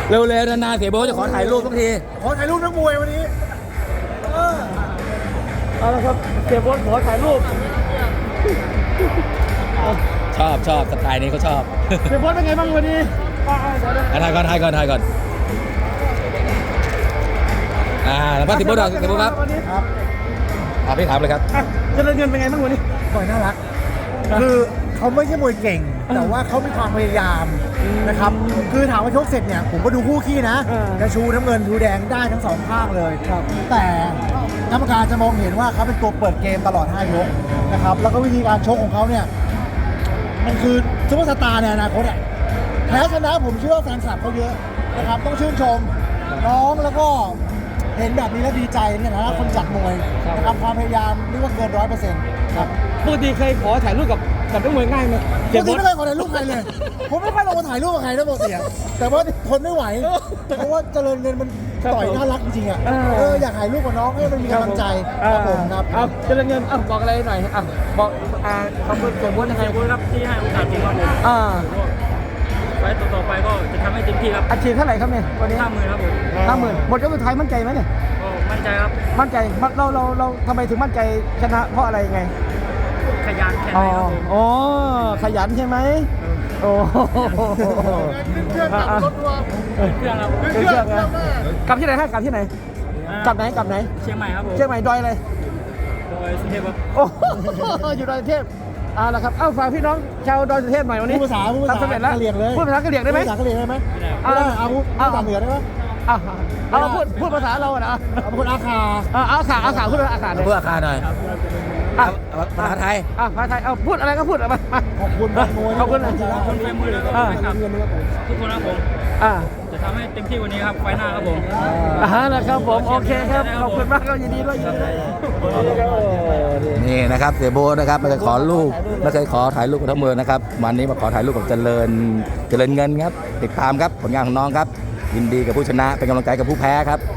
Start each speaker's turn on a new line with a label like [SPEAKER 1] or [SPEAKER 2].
[SPEAKER 1] เร็วๆนานๆเสียโบ๊ทจะขอถ่ายรูปทุกที
[SPEAKER 2] ขอถ่ายรูปนักมวยวันนี้
[SPEAKER 3] เอาละครับเสียโบ๊ทขอถ่ายรูป
[SPEAKER 1] ชอบสไตล์นี้เขาชอบ
[SPEAKER 3] เสียโบ๊ทเป็นไงบ้างวันนี้
[SPEAKER 1] ถ่ายก่อนแล้วป้าเสียโบ๊ทเสียโบ๊ทครับ
[SPEAKER 2] ครับ
[SPEAKER 1] พี่ถามเลยครับ
[SPEAKER 3] เจริญเงินเป็นไงบ้างวันนี้
[SPEAKER 2] ต่อยน่ารักคือเขาไม่ใช่มวยเก่ง แต่ว่าเขามีความพยายามนะครับคือถามว่าชกเสร็จเนี่ยผมก็ดูคู่ขี้นะกระชูน้ำเงินชูแดงได้ทั้งสองข้างเลยแต่กรรมการจะมองเห็นว่าเขาเป็นตัวเปิดเกมตลอด5 ยกนะครับแล้วก็วิธีการชกของเขาเนี่ยมันคือซุปเปอร์สตาร์ในอนาคตอ่ะแพ้ชนะผมเชื่อว่าแฟนคลับเขาเยอะนะครับต้องชื่นชมน้องแล้วก็เห็นแบบนี้แล้วดีใจเนี่ยนะคนจัดมวยนะครับความพยายามเรียกว่าเกิน100%ครับ
[SPEAKER 3] ปกติเคยขอถ่ายรูปกับนักมวยง่ายไหม
[SPEAKER 2] ปกติไม่เคยขอถ่ายรูปใครเลย ผมไม่ค่อยลงมาถ่ายรูปกับใครนะปกติอะแต่ว่าทนไม่ไหว เพราะว่าเจริญเงินมันต่อยน่ารักจริงๆอ่ะอยากถ่ายรูปกับน้องให้มันมีกำลังใจครับผมครับ
[SPEAKER 3] เอาเจริญเงินบอกอะไรหน่อยบอกขอบคุณเสียโบ๊ทยังไง
[SPEAKER 4] เสียโบ๊ทครับที่ให้โอกาสผมครับผมไฟต่อไปก็จะทำให้เต็มที่ครับ
[SPEAKER 3] อาชีพเท่าไหร่ครับเนี่ยวันนี้
[SPEAKER 4] 50,000ครับผม
[SPEAKER 3] 50,000หมดยกสุดท้ายมั่นใจไหมเนี่ย
[SPEAKER 4] ก็มั่นใจครับ
[SPEAKER 3] มั่นใจเราทำไมถึงมั่นใจชนะเพราะอะไรไง
[SPEAKER 4] ขยันแค่ไหนครับผม
[SPEAKER 3] อ๋อขยันใช่ไหมโอ้
[SPEAKER 2] เครื่องขับรถทัวร์
[SPEAKER 4] เครื่องครับ
[SPEAKER 3] เครื่องนะกลับที่ไหนฮะกลับที่ไหนกลับไหน
[SPEAKER 4] เชียงใหม่ครับผม
[SPEAKER 3] เชียงใหม่ดอยอะไร
[SPEAKER 4] โดยสุเทพครับ
[SPEAKER 3] โอ้อยู่ดอยสุเทพเอาละครับฝากพี่น้องชาวดอยสุเทพหน่อยวันนี้
[SPEAKER 2] พูดภาษา
[SPEAKER 3] ทำสำเร็จแล้ว
[SPEAKER 2] กะเหรี่ยงเลย
[SPEAKER 3] พูดภาษากะเหรี่ยงได้ไหม
[SPEAKER 2] พูดภาษากะเหรี่ยงได้ไหมไม่ได้เอาพูดภาษาเหนือได้ไหม
[SPEAKER 3] เอาพูดภาษาเราอะนะ
[SPEAKER 2] เอาพูดอาคา
[SPEAKER 3] เอาขาพูดอาขาเลย
[SPEAKER 1] เพื่ออาคารหน่อยภาษาไทย
[SPEAKER 3] ภาษาไทยพูดอะไรก็พูดมา
[SPEAKER 2] ขอบคุณนักมวย
[SPEAKER 3] ขอบคุณนะ
[SPEAKER 4] คนแฟนมือเลยครับทุกคนครับผมจะทำให้เต็มที่กว่านี้ครับไฟหน้าครับผม
[SPEAKER 3] นะครับผมโอเคครับขอบคุณมากครับยินดีด้วย
[SPEAKER 1] นี่นะครับเสียโบ๊ทนะครับไม่เคยขอรูปไม่เคยขอถ่ายรูปกับทั้งเมืองนะครับวันนี้มาขอถ่ายรูปกับเจริญเงินครับติดตามครับผลงานของน้องครับยินดีกับผู้ชนะเป็นกำลังใจกับผู้แพ้ครับ